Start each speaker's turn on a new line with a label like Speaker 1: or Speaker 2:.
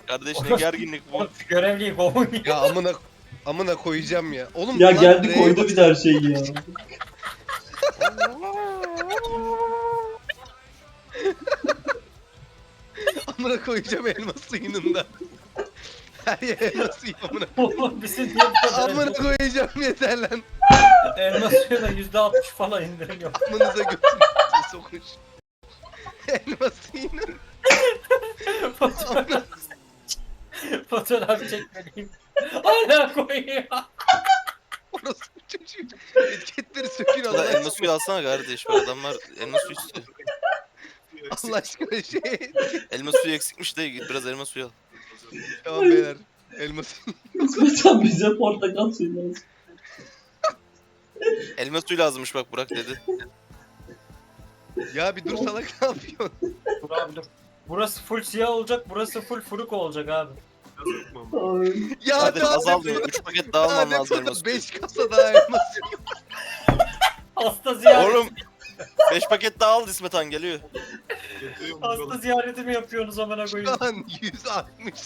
Speaker 1: Kardeş ne gerginlik bu.
Speaker 2: Görevliyi kovun ya.
Speaker 3: Ya amına koyacağım ya. Oğlum
Speaker 4: Ya
Speaker 3: lan
Speaker 4: geldi
Speaker 3: R'ye
Speaker 4: koydu bir de her şeyi ya.
Speaker 3: amına koyacağım elma suyunun da. Her yer elma suyu amına.
Speaker 2: Oğlum bizim niye bu kadar
Speaker 3: Amına koyacağım yeter lan.
Speaker 2: elma suyuna %60 falan indirim yok.
Speaker 3: Amınıza götünüze sokuş. Elma suyunun.
Speaker 2: Fotoğraf, fotoğraf çekmeliyim. Hala koyuyor.
Speaker 3: Orası çocuğu. Etiketleri sökün Allah
Speaker 1: Ulan elma
Speaker 3: aşkına.
Speaker 1: suyu alsana kardeş. Bu adamlar elma suyu istiyor.
Speaker 3: Allah aşkına şey.
Speaker 1: Elma suyu eksikmiş de git biraz elma suyu al.
Speaker 3: Tamam beyler. Elma suyu.
Speaker 4: İsmet abi bize portakal suyu lazım.
Speaker 1: Elma suyu lazımmış bak Burak dedi.
Speaker 3: Ya bir dur salak ne yapıyorsun?
Speaker 2: Dur abi dur. Burası full siyah olacak, burası full furuk olacak abi.
Speaker 4: Ay.
Speaker 3: Ya
Speaker 1: Kardeş
Speaker 3: daha
Speaker 1: azalmıyor. 3 paket daha alman lazım elma suyu.
Speaker 3: 5 kasa daha elma suyu.
Speaker 2: Hasta ziyareti.
Speaker 1: Oğlum 5 paket daha al İsmet Han geliyor.
Speaker 2: Hasta ziyareti mi yapıyorsunuz amına koyayım?
Speaker 3: Şu an 160